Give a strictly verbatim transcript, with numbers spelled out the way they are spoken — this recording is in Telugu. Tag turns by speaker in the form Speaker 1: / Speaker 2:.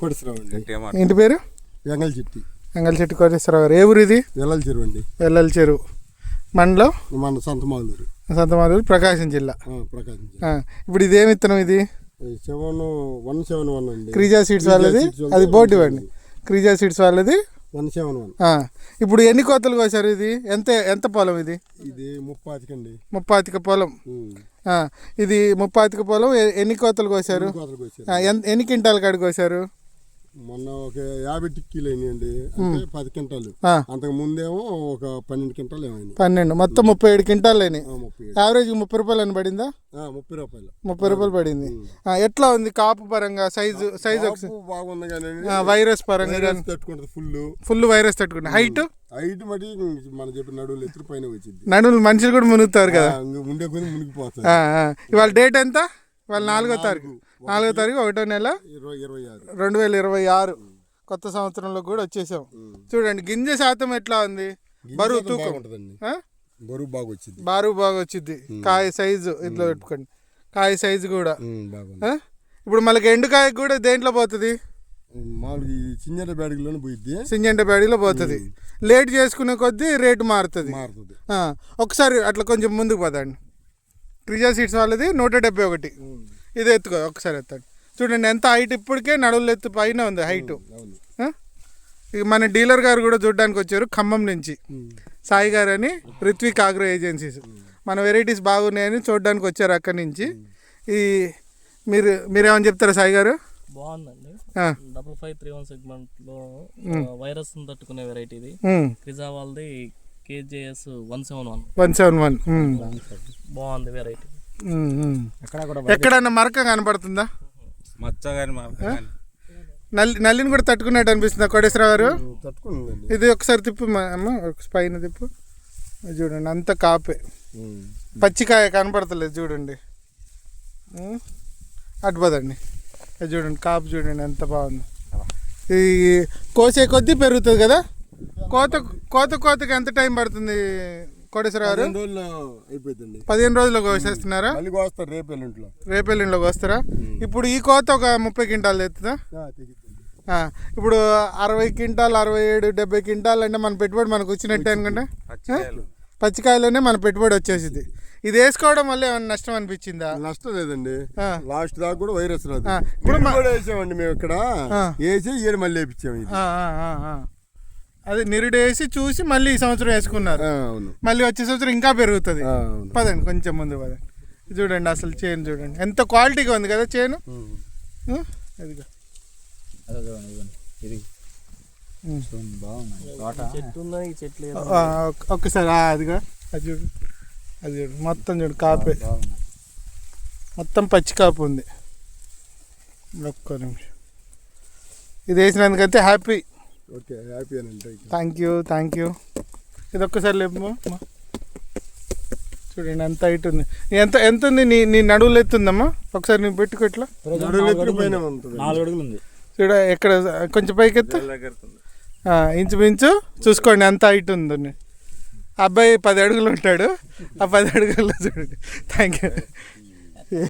Speaker 1: కోటేశ్వరరావు.
Speaker 2: ఇంటి పేరు?
Speaker 1: వెంగళ చెట్టి.
Speaker 2: వెంగళ చెట్టి కోటేశ్వరరావు గారు. ఏ ఊరు ఇది?
Speaker 1: వెల్లల చెరువు అండి.
Speaker 2: వెల్లల చెరువు మండలం
Speaker 1: మన సంతమాలూరు.
Speaker 2: సంతమాలూరు ప్రకాశం జిల్లా.
Speaker 1: ప్రకాశం జిల్లా.
Speaker 2: ఇప్పుడు ఇదేమి విత్తనం ఇది?
Speaker 1: సెవెన్ వన్ సెవెన్ వన్ అండి.
Speaker 2: క్రీజా సీడ్స్ వాళ్ళది. అది బోర్డు ఇవ్వండి. క్రీజా సీడ్స్ వాళ్ళది
Speaker 1: వన్ సెవెన్ వన్.
Speaker 2: ఇప్పుడు ఎన్ని కోతలు కోసారు ఇది? ఎంత ఎంత పొలం ఇది?
Speaker 1: ఇది ముప్పాతికండి.
Speaker 2: ముప్పాతిక పొలం. ఇది ముప్పాతిక పొలం. ఎన్ని కోతలు కోసారు? ఎన్ని క్వింటాల కాడి కోసారు?
Speaker 1: మొన్న ఒక యాభై టిక్కీలు అయినాయండి. పది క్వింటాలు. అంతకు ముందేమో ఒక పన్నెండు క్వింటాలు ఏమైంది.
Speaker 2: పన్నెండు మొత్తం ముప్పై ఏడు క్వింటాలు అయినాయి. యావరేజ్ ముప్పై రూపాయలు అని పడిందా?
Speaker 1: ముప్పై రూపాయలు
Speaker 2: ముప్పై రూపాయలు పడింది. ఎట్లా ఉంది కాపు పరంగా? సైజు సైజు
Speaker 1: బాగుంది కానీ
Speaker 2: వైరస్ పరంగా
Speaker 1: తట్టుకుంటుంది. ఫుల్
Speaker 2: ఫుల్ వైరస్ తట్టుకుంటుంది. హైట్
Speaker 1: హైట్ మట్టి మనం చెప్పిన నడువులు ఎత్తురు పైన వచ్చింది.
Speaker 2: నడువులు మనుషులు కూడా మునుగుతారు కదా.
Speaker 1: ఉండే కొద్ది మునిగిపోతారు.
Speaker 2: ఇవాళ డేట్ ఎంత? ఇవాళ నాలుగో తారీఖు నాలుగో తారీఖు ఒకటో నెల రెండు వేల ఇరవై ఆరు కొత్త సంవత్సరంలో కూడా వచ్చేసాం. చూడండి గింజ శాతం ఎట్లా ఉంది? బరువు తూకం
Speaker 1: బరువు బాగా వచ్చింది.
Speaker 2: బరువు బాగా వచ్చింది. కాయ సైజు ఇట్లా పెట్టుకోండి. కాయ సైజు కూడా. ఇప్పుడు మళ్ళీ ఎండుకాయ కూడా దేంట్లో పోతుంది?
Speaker 1: మామూలుగా సింజంట బ్యాడీలోనే పోయిద్ది.
Speaker 2: సింజంట బ్యాడీలో పోతుంది. లేట్ చేసుకునే కొద్దీ రేటు మారుతుంది. ఒకసారి అట్లా కొంచెం ముందుకు పోదండి. క్రిజా సీడ్స్ వాళ్ళది నూట డెబ్బై ఒకటి. ఇది ఎత్తుకో ఒకసారి ఎత్తండి. చూడండి ఎంత హైట్. ఇప్పటికే నడువులు ఎత్తు పైన ఉంది హైటు. ఇక మన డీలర్ గారు కూడా చూడడానికి వచ్చారు ఖమ్మం నుంచి. సాయి గారు అని రిత్విక్ ఆగ్రో ఏజెన్సీస్. మన వెరైటీస్ బాగున్నాయని చూడడానికి వచ్చారు అక్కడి నుంచి. ఈ మీరు మీరేమని చెప్తారా సాయి గారు?
Speaker 3: బాగుందండి. Double five three one segment లో వైరస్ తట్టుకునే వెరైటీ ఇది. క్రిజా వాళ్ళది KJS one seven one
Speaker 2: one seven one
Speaker 3: బాగుంది వెరైటీ.
Speaker 2: ఎక్కడన్నా మరక కనపడుతుందా?
Speaker 4: మచ్చ కానీ
Speaker 2: నల్లి నల్లిని కూడా తట్టుకున్నట్టు అనిపిస్తుందా కోటేశ్వరరావు గారు? ఇది ఒకసారి తిప్పు అమ్మ, పైన తిప్పు. చూడండి అంత కాపే. పచ్చికాయ కనపడతలేదు చూడండి. అటుపోదండి. అది చూడండి కాపు చూడండి ఎంత బాగుంది. ఈ కోసే కొద్దీ పెరుగుతుంది కదా. కోత కోత కోతకి ఎంత టైం పడుతుంది కోటేశ్వర గారు? పదిహేను రోజుల్లో కోసేస్తున్నారా? రేపెల్లింట్లో కోస్తారా? ఇప్పుడు ఈ కోత ఒక ముప్పై క్వింటాలు తెస్తుందా? ఇప్పుడు అరవై క్వింటాలు అరవై ఏడు డెబ్బై క్వింటాలు అంటే మన పెట్టుబడి మనకు వచ్చినట్టే అనుకుంటే. పచ్చికాయలోనే మన పెట్టుబడి వచ్చేసింది. ఇది వేసుకోవడం వల్ల ఏమైనా నష్టం అనిపించిందా?
Speaker 1: నష్టం లేదండి. లాస్ట్ దాకా కూడా వైరస్ రాదు. ఇప్పుడు వేసామండి మేము ఇక్కడ వేసి ఏడు మళ్ళీ వేయించాము.
Speaker 2: అది నిరుడేసి చూసి మళ్ళీ ఈ సంవత్సరం వేసుకున్నారు. మళ్ళీ వచ్చే సంవత్సరం ఇంకా పెరుగుతుంది. పదండి కొంచెం ముందు పదండి. చూడండి అసలు చేను చూడండి ఎంత క్వాలిటీగా ఉంది కదా చేను. అదిగా ఒక్కసారి అదిగా అది చూడు. అది చూడు మొత్తం చూడు కాపే. మొత్తం పచ్చి కాపు ఉంది. ఒక్క నిమిషం. ఇది వేసినందుకైతే హ్యాపీ.
Speaker 1: ఓకే హ్యాపీ అండి.
Speaker 2: Thank you thank you. ఇది ఒక్కసారి లేపు. చూడండి ఎంత హైట్ ఉంది. ఎంత ఎంత ఉంది నీ నీ నడువులు ఎత్తుందమ్మా? ఒకసారి నువ్వు పెట్టుకో ఇట్లా. చూడ ఎక్కడ కొంచెం పైకి ఎత్తు. ఇంచుమించు చూసుకోండి ఎంత హైట్ ఉందని. అబ్బాయి పది అడుగులు ఉంటాడు. ఆ పది అడుగుల్లో చూడండి. Thank you.